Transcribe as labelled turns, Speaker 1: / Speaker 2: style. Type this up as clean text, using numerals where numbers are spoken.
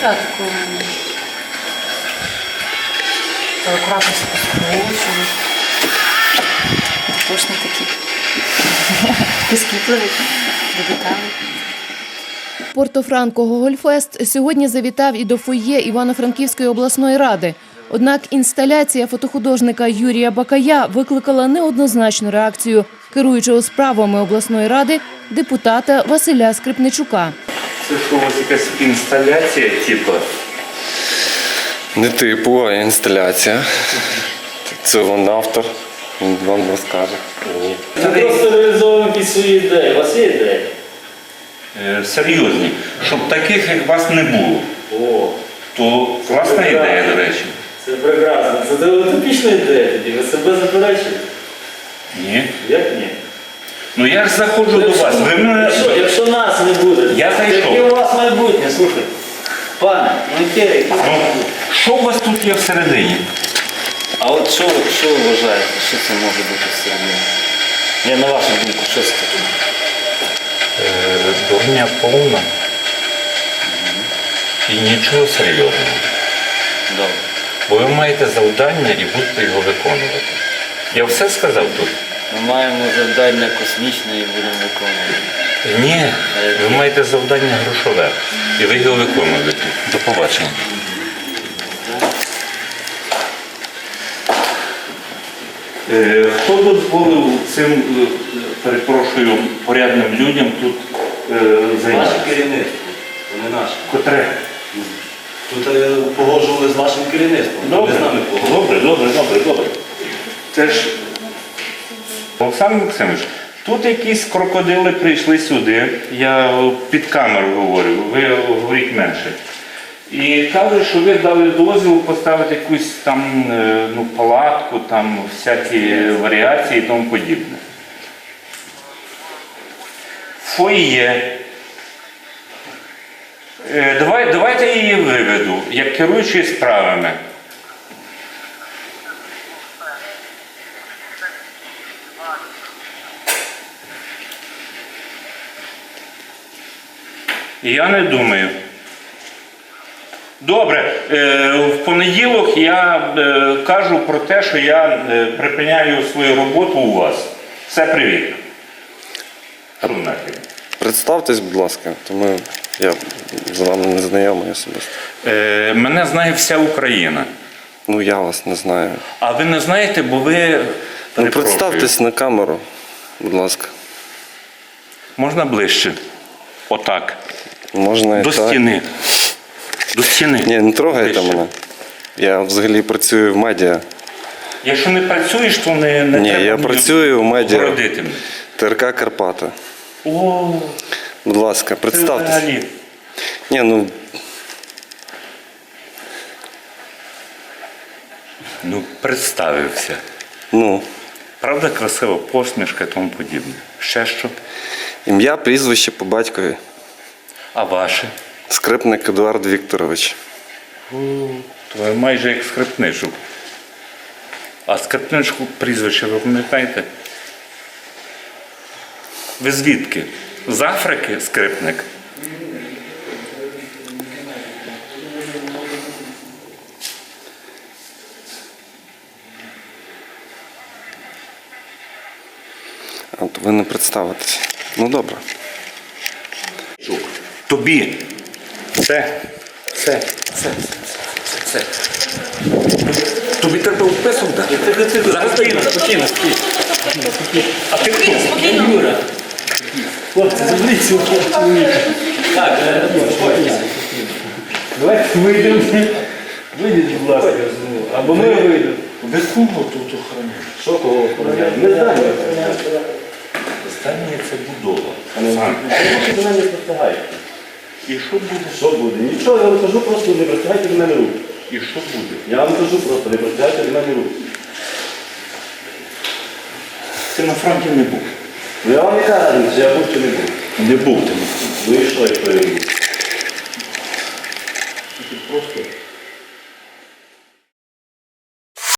Speaker 1: Так, акуратно все поскручую. Точно такі прискіпливі до деталей.
Speaker 2: Порто-Франко Гогольфест сьогодні завітав і до фоє Івано-Франківської обласної ради. Однак інсталяція фотохудожника Юрія Бакая викликала неоднозначну реакцію керуючого справами обласної ради депутата Василя Скрипничука.
Speaker 3: Це що, ось якась інсталяція, типу?
Speaker 4: Не типу, а інсталяція. Це він автор, він вам розкаже.
Speaker 5: Ми просто реалізовуємо якісь свої ідеї. У вас є ідеї?
Speaker 3: Серйозні. Щоб таких, як вас, не було.
Speaker 5: О,
Speaker 3: То класна ідея, до речі.
Speaker 5: це прекрасно. Це утопічна ідея тоді. Ви себе заперечуєте?
Speaker 3: Ні.
Speaker 5: Як ні?
Speaker 3: Ну я ж заходжу до вас. Ви мене...
Speaker 5: Якщо нас не буде,
Speaker 3: Я зайшов.
Speaker 5: яке у вас майбутнє, слухайте. Пане, ну яке?
Speaker 3: Ну, що у вас тут є всередині?
Speaker 5: А от що ви вважаєте, що це може бути всередині? Я на вашу думку, що це таке?
Speaker 3: Дурня повна. І нічого серйозного.
Speaker 5: Добре.
Speaker 3: Бо ви маєте завдання і будете його виконувати. Я все сказав тут?
Speaker 5: Ми маємо завдання космічне і будемо виконувати.
Speaker 3: Ні, ви маєте завдання грошове. І ви його виконуєте. До побачення. Хто дозволив цим, перепрошую, порядним людям тут займатися?
Speaker 6: Наше керівництво, то не наше.
Speaker 3: Котре?
Speaker 6: Тут погоджували з вашим керівництвом,
Speaker 3: Добре,
Speaker 6: ви з нами погоджували.
Speaker 3: добре. Це ж, Олександр Максимович, тут якісь крокодили прийшли сюди, я під камеру говорю, ви говоріть менше. І кажуть, що ви дали дозвіл поставити якусь там палатку, там всякі варіації і тому подібне. Фоє. Давайте я її виведу, як керуючий справами. Я не думаю. Добре, в понеділок я кажу про те, що я припиняю свою роботу у вас. Все, привіт.
Speaker 4: Представтесь, будь ласка, тому я з вами не знайомий особисто.
Speaker 3: Мене знає вся Україна.
Speaker 4: Ну, я вас не знаю.
Speaker 3: А ви не знаєте, бо ви...
Speaker 4: Ну,
Speaker 3: Перепрошую.
Speaker 4: представтесь на камеру, будь ласка.
Speaker 3: Можна ближче? Отак.
Speaker 4: Можна і
Speaker 3: До
Speaker 4: так.
Speaker 3: стіни. До стіни.
Speaker 4: Ні, не трогайте
Speaker 3: Ближче.
Speaker 4: мене. Я взагалі працюю в медіа.
Speaker 3: Якщо не працюєш, то не
Speaker 4: Ні,
Speaker 3: треба
Speaker 4: я
Speaker 3: мені
Speaker 4: працюю в медіа.
Speaker 3: городити мене.
Speaker 4: ТРК Карпати.
Speaker 3: О,
Speaker 4: Будь ласка,
Speaker 3: це
Speaker 4: представтесь.
Speaker 3: взагалі.
Speaker 4: Ні, ну,
Speaker 3: Ну, представився.
Speaker 4: ну,
Speaker 3: Правда, красива посмішка і тому подібне. Ще що?
Speaker 4: ім'я, прізвище по батькові.
Speaker 3: А ваше?
Speaker 4: Скрипник Едуард Вікторович.
Speaker 3: То ви майже як Скрипничук. А Скрипничку прізвище ви пам'ятаєте? Ви звідки? З Африки Скрипник?
Speaker 4: А от ви не представитесь. Ну, добре.
Speaker 3: Тобі. Це. Тобі треба вписок дати.
Speaker 5: Спокійно. А ти хто? Я Юра. Хлопці, заберіть цього чоловіка. Так, спокійно. Давайте вийдемо. Вийдіть, будь ласка. Або ми вийдемо.
Speaker 3: Ви кого тут охороняєте?
Speaker 5: Що кого охороняємо? Ми знаємо.
Speaker 3: Останнє це будова.
Speaker 5: Ви до мене не простягаєте.
Speaker 3: І що буде?
Speaker 5: Що буде? Нічого, я вам кажу, просто не простягайте до мене руки.
Speaker 3: І що буде?
Speaker 5: Я вам кажу просто, не простягайте до мене руки.
Speaker 3: Ти на фронті не був.
Speaker 5: Ну я вам не кажу, чи я був чи не був.
Speaker 3: Не був ти на фронті.
Speaker 5: Ну і що, якщо я був?